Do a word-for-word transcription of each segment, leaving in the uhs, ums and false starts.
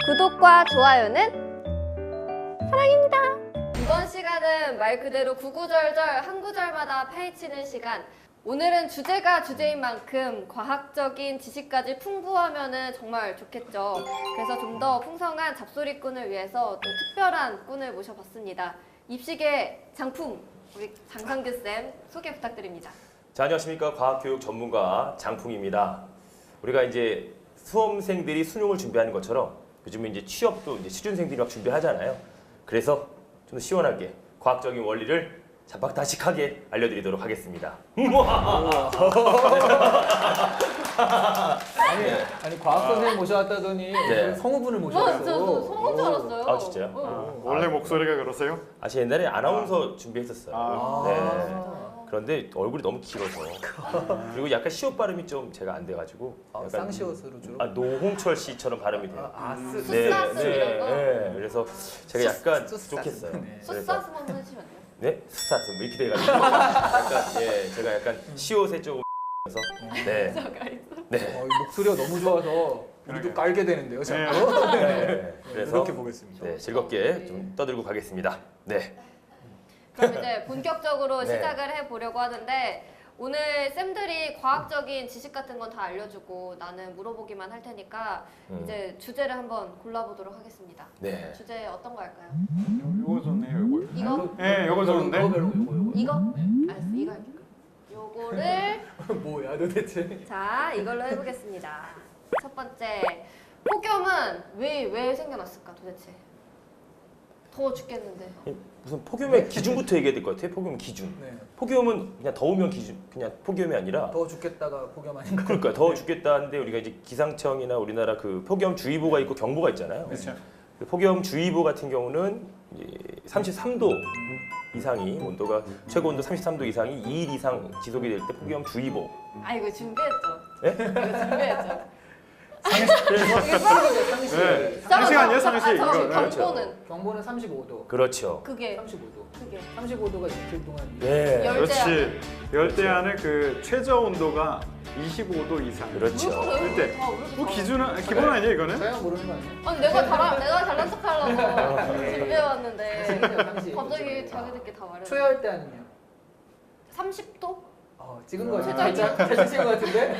구독과 좋아요는 사랑입니다. 이번 시간은 말 그대로 구구절절 한 구절마다 파헤치는 시간. 오늘은 주제가 주제인 만큼 과학적인 지식까지 풍부하면 정말 좋겠죠. 그래서 좀 더 풍성한 잡소리꾼을 위해서 또 특별한 꾼을 모셔봤습니다. 입시계 장품, 우리 장상규쌤 소개 부탁드립니다. 자, 안녕하십니까. 과학교육 전문가 장풍입니다. 우리가 이제 수험생들이 수능을 준비하는 것처럼 요즘에 이제 취업도 이제 취준생들이 막 준비하잖아요. 그래서 좀 더 시원하게 과학적인 원리를 잡박다식하게 알려드리도록 하겠습니다. 아니, 아니 과학 선생님 모셔왔다더니 네. 성우분을 저, 모셔왔어. 저, 저 성우인 줄 알았어요. 아, 진짜요? 어. 원래 목소리가 그러세요? 아, 제가 옛날에 아나운서 준비했었어요. 아. 네. 그런데 얼굴이 너무 길어서 그리고 약간 시옷 발음이 좀 제가 안 돼가지고 아, 약간 쌍시옷으로 주로. 아, 노홍철 씨처럼 발음이 돼요. 아, 스, 숫사스 이런 거? 네. 그래서 제가 약간 숫사스. 부족했어요. 네. 그래서 숫사스 한번 해주시면 안 돼요? 네? 숫사스 뭐 이렇게 돼가지고 약간 예 제가 약간 시옷에 조금 서 네. 네. 어, 이 목소리가 너무 좋아서 우리도 깔게 되는데요, 자꾸. 네. 그래서 이렇게 보겠습니다. 네, 즐겁게 좀 떠들고 가겠습니다. 네. 그럼 이제 본격적으로 네. 시작을 해보려고 하는데 오늘 쌤들이 과학적인 지식 같은 건 다 알려주고 나는 물어보기만 할 테니까 음. 이제 주제를 한번 골라보도록 하겠습니다. 네. 주제 어떤 거 할까요? 요거 좋네요, 요거. 이거? 네, 요거 좋은데? 이거 별로, 이거, 이거. 이거? 알았어, 이거 할게요. 요거를 뭐야, 도대체? 자 이걸로 해보겠습니다. 첫 번째, 폭염은 왜, 왜 생겨났을까 도대체? 더워 죽겠는데. 무슨 폭염의 기준부터 얘기해야 될 것 같아요. 폭염 기준. 네. 폭염은 그냥 더우면 기준, 그냥 폭염이 아니라 더워 죽겠다가 폭염 아닌가? 그러니까 더워 죽겠다는데 우리가 이제 기상청이나 우리나라 그 폭염주의보가 있고 경보가 있잖아요. 그렇죠. 그 폭염주의보 같은 경우는 이제 삼십삼 도 이상이 온도가 최고 온도 삼십삼 도 이상이 이 일 이상 지속이 될 때 폭염주의보. 아 이거 준비했죠? 예? 이거 준비했죠? 그래서 이게 바로 네. 상시간이요, 상시. 이거. 네. 경보는 경보는 삼십오 도. 그렇죠. 그게 삼십오 도. 그게 삼십오 도가 이틀 동안. 네. 열- 그렇지. 열대야는 그 최저 온도가 이십오 도 이상. 그렇죠. 일대. 다 우리 뭐 다 기준은 기본 아니에요, 이거는? 자연 모르는 거 아니에요? 아니 내가 잘하, 내가 잘난 척하려고 준비해왔는데 상시. 갑자기 자기들끼리 다 말해. 초여할 때 아니면? 삼십 도? 어, 찍은 거 최저 살짝 살짝 찍은 거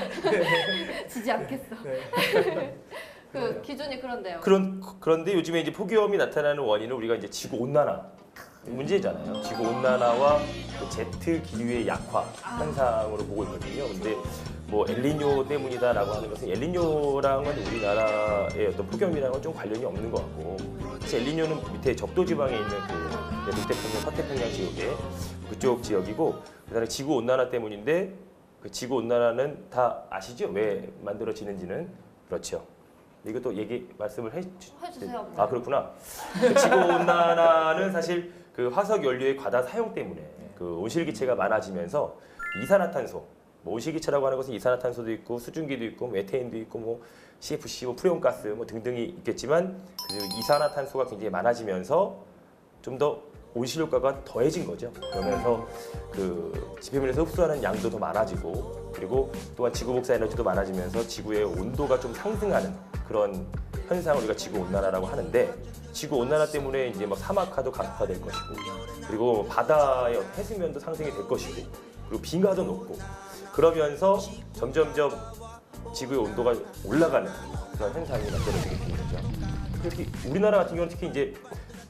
같은데? 지지 않겠어. 네. 그 기준이 그런데요. 그런 그런데 요즘에 이제 폭염이 나타나는 원인은 우리가 이제 지구 온난화 문제잖아요. 지구 온난화와 그 제트 기류의 약화 현상으로 보고 있거든요. 근데 뭐 엘니뇨 때문이다라고 하는 것은 엘니뇨랑은 우리나라의 어떤 폭염이랑은 좀 관련이 없는 것 같고, 사실 엘니뇨는 밑에 적도 지방에 있는 그 북태평양, 서태평양 지역에 그쪽 지역이고, 그다음에 지구 온난화 때문인데 그 지구 온난화는 다 아시죠? 왜 만들어지는지는. 그렇죠. 이것도 얘기 말씀을 해 주, 해주세요. 아 그렇구나. 그 지구 온난화는 사실 그 화석 연료의 과다 사용 때문에 그 온실기체가 많아지면서 이산화탄소, 뭐 온실기체라고 하는 것은 이산화탄소도 있고 수증기도 있고 메테인도 있고 뭐 씨에프씨, 뭐 프레온가스 뭐 등등이 있겠지만 그 이산화탄소가 굉장히 많아지면서 좀 더 온실 효과가 더해진 거죠. 그러면서 그 지표면에서 흡수하는 양도 더 많아지고, 그리고 또한 지구 복사 에너지도 많아지면서 지구의 온도가 좀 상승하는 그런 현상을 우리가 지구 온난화라고 하는데, 지구 온난화 때문에 이제 막 사막화도 가속화될 것이고, 그리고 바다의 해수면도 상승이 될 것이고, 그리고 빙하도 녹고, 그러면서 점점점 지구의 온도가 올라가는 그런 현상이 만들어지게 되는 거죠. 특히 우리나라 같은 경우는 특히 이제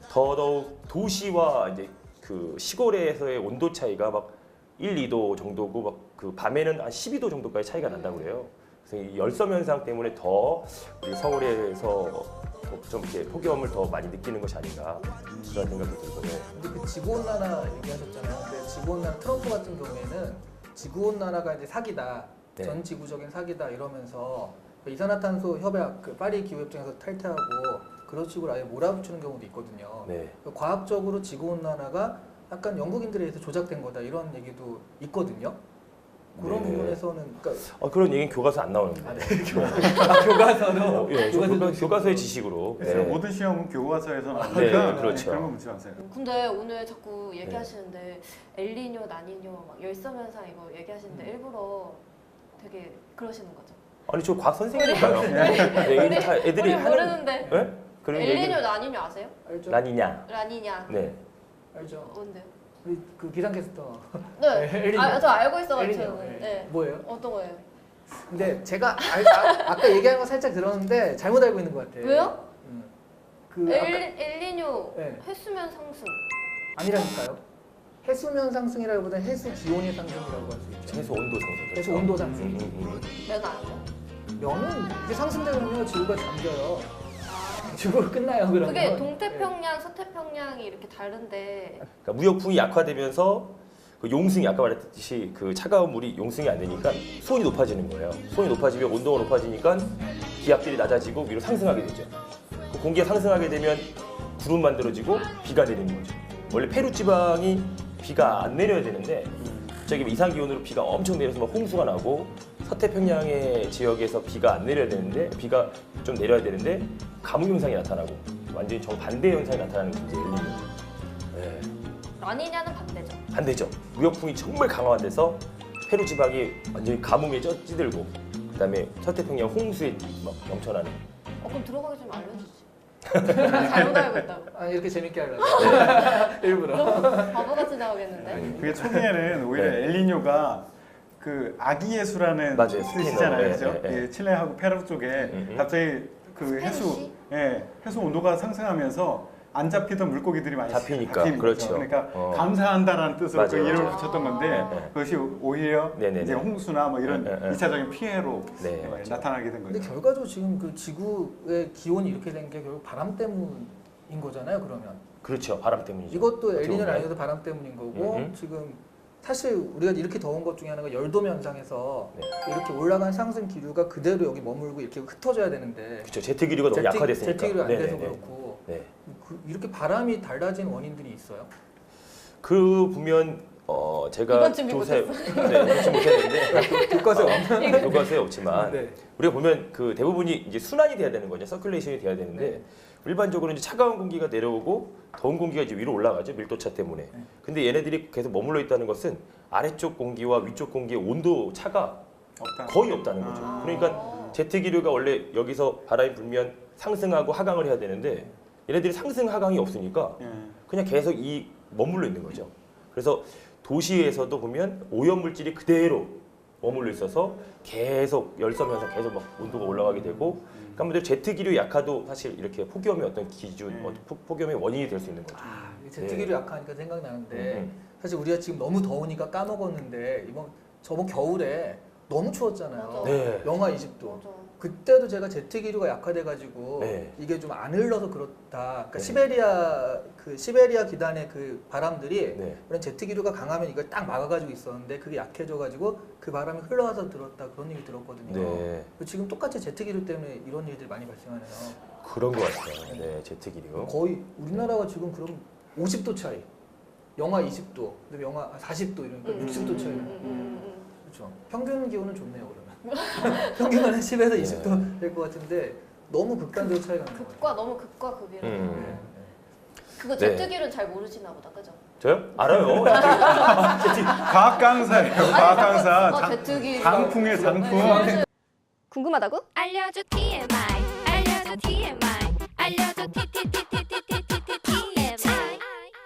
더더욱 도시와 이제 그 시골에서의 온도 차이가 막 일, 이 도 정도고, 막 그 밤에는 한 십이 도 정도까지 차이가 난다고 그래요. 그래서 이 열섬 현상 때문에 더 우리 서울에서 좀 이렇게 폭염을 더 많이 느끼는 것이 아닌가 그런 생각도 들고요. 근데 그 지구온난화 얘기하셨잖아요. 근데 지구온난화 트럼프 같은 경우에는 지구온난화가 이제 사기다, 네. 전 지구적인 사기다 이러면서 그 이산화탄소 협약, 그 파리 기후협정에서 탈퇴하고 그런 식으로 아예 몰아붙이는 경우도 있거든요. 네. 그 과학적으로 지구온난화가 약간 영국인들에 의해서 조작된 거다 이런 얘기도 있거든요. 그런 네. 부분에서는 그러니까 어, 그런 얘기는 교과서 안 나오는데. 아, 네. 아, 교과서로 어, 예, 저 교과서도 교과, 교과서의 지식으로. 그래서 네. 모든 시험은 교과서에서 나오니까 네, 그렇죠. 그런 거 묻지 마세요. 근데 오늘 자꾸 얘기하시는데 엘니뇨, 나니뇨, 막 열섬 현상 이거 얘기하시는데 일부러 되게 그러시는 거죠? 아니 저 과학 선생님인가요? 네, 이게 다 애들이 우리 하는. 모르는데. 네? 그런 엘니뇨, 얘기를 라니뇨 아세요? 알죠? 라니냐. 라니냐. 네. 알죠? 뭔데요? 우리 그 기상캐스터. 네. 엘니뇨. 아, 저 알고 있어가지고. 엘니뇨. 저는. 네. 네. 뭐예요? 어떤 거예요? 근데 제가 알, 아, 아까 얘기한 거 살짝 들었는데 잘못 알고 있는 것 같아. 왜요? 음. 그 아까 엘, 엘니뇨 네. 해수면 상승. 아니라니까요. 해수면 상승이라기보다는 해수 기온의 상승이라고 할 수 있죠. 해수 온도 상승. 그렇죠? 해수 온도 상승. 음, 음, 음. 면 아니죠? 면은 이게 상승되면요 지구가 잠겨요. 지구가 끝나요 그러면. 그게 동태평양, 서태평양이 이렇게 다른데 그러니까 무역풍이 약화되면서 그 용승이 아까 말했듯이 그 차가운 물이 용승이 안 되니까 수온이 높아지는 거예요. 수온이 높아지면 온도가 높아지니까 기압들이 낮아지고 위로 상승하게 되죠. 그 공기가 상승하게 되면 구름 만들어지고 비가 내리는 거죠. 원래 페루 지방이 비가 안 내려야 되는데 갑자기 이상 기온으로 비가 엄청 내려서 막 홍수가 나고 서태평양의 지역에서 비가 안 내려야 되는데 비가 좀 내려야 되는데 가뭄 현상이 나타나고 완전히 정반대 현상이 나타나는 게 이제 엘니뇨. 네. 라니냐는 반대죠. 반대죠. 무역풍이 정말 강화돼서 페루 지방이 완전히 가뭄에 쪄- 찌들고 그다음에 서태평양 홍수에 막 넘쳐나는. 어, 그럼 들어가기 좀 알려주지. 잘못 알고 있다고. 아 이렇게 재밌게 하려고. 네. 일부러. 너무 바보같이 나오겠는데? 그게 초기에는 오히려 네. 엘니뇨가 그 아기 예수라는 맞아요. 뜻이잖아요, 스페인어로. 그죠? 예, 예. 예, 칠레하고 페루 쪽에 음, 음. 갑자기 그 해수, 스페니쉬? 예, 해수 온도가 상승하면서 안 잡히던 물고기들이 많이 잡히니까, 잡히는 그렇죠. 거죠. 그러니까 어. 감사한다라는 뜻으로 맞아요, 그 이름을 맞아요. 붙였던 건데 네. 그것이 오히려 네네네. 이제 홍수나 뭐 이런 네, 네, 네. 이차적인 피해로 네, 예, 맞죠. 나타나게 된 근데 거죠. 결과적으로 지금 그 지구의 기온이 이렇게 된 게 결국 바람 때문인 거잖아요. 그러면 그렇죠. 바람 때문이죠. 이것도 어떻게 엘니뇨 보면. 라니뇨도 바람 때문인 거고 음흠. 지금 사실 우리가 이렇게 더운 것 중에 하나가 열도 현상에서 네. 이렇게 올라간 상승 기류가 그대로 여기 머물고 이렇게 흩어져야 되는데 그렇죠. 제트 기류가 너무 제트- 약화됐으니까. 제트 기류가 안 돼서 네네네. 그렇고 네. 그, 이렇게 바람이 달라진 원인들이 있어요. 그 보면 어 제가 이번 준비 조사해 네, 이번 준비 못했는데 교과서에 없는. 교과서에 없지만 네. 우리가 보면 그 대부분이 이제 순환이 돼야 되는 거죠. 서큘레이션이 돼야 되는데 네. 일반적으로 이제 차가운 공기가 내려오고 더운 공기가 이제 위로 올라가죠. 밀도차 때문에. 네. 근데 얘네들이 계속 머물러 있다는 것은 아래쪽 공기와 위쪽 공기의 온도 차가 없다. 거의 없다는 거죠. 아. 그러니까 제트 기류가 원래 여기서 바람이 불면 상승하고 하강을 해야 되는데 얘네들이 상승 하강이 없으니까 예. 그냥 계속 이 머물러 있는 거죠. 그래서 도시에서도 보면 오염 물질이 그대로 머물러 있어서 계속 열섬 현상 계속 막 온도가 올라가게 되고 그러니까 제트 기류 약화도 사실 이렇게 폭염의 어떤 기준, 음. 어떤 폭- 폭염의 원인이 될 수 있는 거죠. 아, 제트 네. 기류 약하니까 생각나는데 음, 사실 우리가 지금 너무 더우니까 까먹었는데 이번 저번 겨울에 너무 추웠잖아요. 맞아. 네. 영하 이십 도. 맞아. 그때도 제가 제트 기류가 약화돼가지고 네. 이게 좀 안 흘러서 그렇다. 그러니까 네. 시베리아 그 시베리아 기단의 그 바람들이 네. 그런 제트 기류가 강하면 이걸 딱 막아가지고 있었는데 그게 약해져가지고 그 바람이 흘러와서 들었다 그런 얘기 들었거든요. 네. 지금 똑같이 제트 기류 때문에 이런 일들이 많이 발생하네요. 그런 것 같아요. 네, 제트 기류. 거의 우리나라가 지금 그럼 오십 도 차이, 영하 이십 도, 그다음에 영하 사십 도 이러니까 음, 육십 도 음, 차이. 음, 음, 음. 그렇죠. 평균 기온은 좋네요 그러면. 평균은 한 십에서 이십 도 될 것 같은데 너무 극단적 차이가 나는 거예요. 극과 너무 극과 극이라. 음. 그거 네. 제트기류는 잘 모르시나 보다, 그죠? 저요? 알아요. 제트 과학 강사예요. 과학 강사. 어, 장- 제트기류. 장풍의 장풍. 궁금하다고? 알려줘 티엠아이 알려줘 티엠아이 알려줘 티티티티티티티티엠아이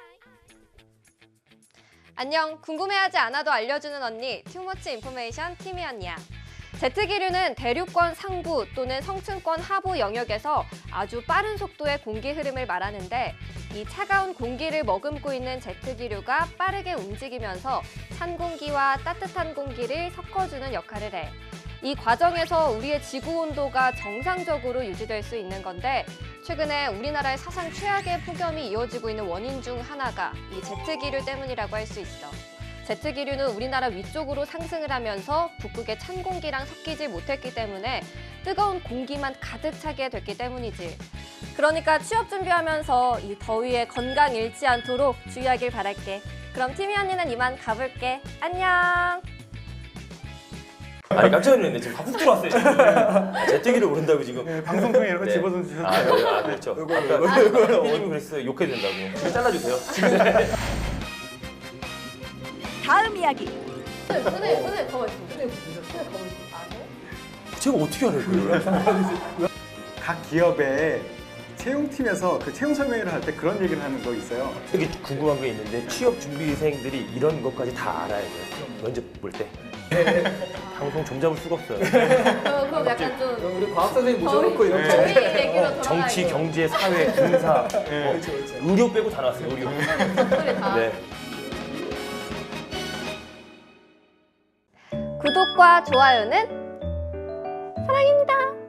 안녕. 궁금해하지 않아도 알려주는 언니 튜머치 인포메이션 티미 언니야. 제트기류는 대륙권 상부 또는 성층권 하부 영역에서 아주 빠른 속도의 공기 흐름을 말하는데 이 차가운 공기를 머금고 있는 제트기류가 빠르게 움직이면서 찬 공기와 따뜻한 공기를 섞어주는 역할을 해. 이 과정에서 우리의 지구 온도가 정상적으로 유지될 수 있는 건데 최근에 우리나라의 사상 최악의 폭염이 이어지고 있는 원인 중 하나가 이 제트기류 때문이라고 할 수 있어. 제트기류는 우리나라 위쪽으로 상승을 하면서 북극의 찬 공기랑 섞이지 못했기 때문에 뜨거운 공기만 가득 차게 됐기 때문이지. 그러니까 취업 준비하면서 이 더위에 건강 잃지 않도록 주의하길 바랄게. 그럼 티미 언니는 이만 가볼게. 안녕. 아니 깜짝 놀랐네. 지금 훅 들어왔어요. 지금. 제트 기류 오른다고 지금. 예, 방송 중에 이런 거 네. 집어서 주셨어요. 아, 네, 아, 그렇죠. 아까 피디님이 그랬어요. 욕해야 된다고. 이거 잘라주세요. 다음 이야기 선생님, 선생님, 선생님 가만 있습니다. 선생님 가만 있습니다. 아세요? 제가 어떻게 알아요, 그걸? 각 기업의 채용팀에서 그 채용 설명회를 할 때 그런 얘기를 하는 거 있어요. 되게 궁금한 게 있는데 취업 준비생들이 이런 것까지 다 알아야 돼요. 면접 볼 때. 방송 좀 잡을 수가 없어요. 그럼, 그럼 약간 좀 그럼 우리 과학 선생님 저희, 모셔놓고 이렇게 저희 얘기로 돌아가고 정치, 경제, 사회, 군사, 그렇죠, 그렇죠. 의료 빼고 다 나왔어요. 의료. 소리 다. 네. 구독과 좋아요는 사랑입니다.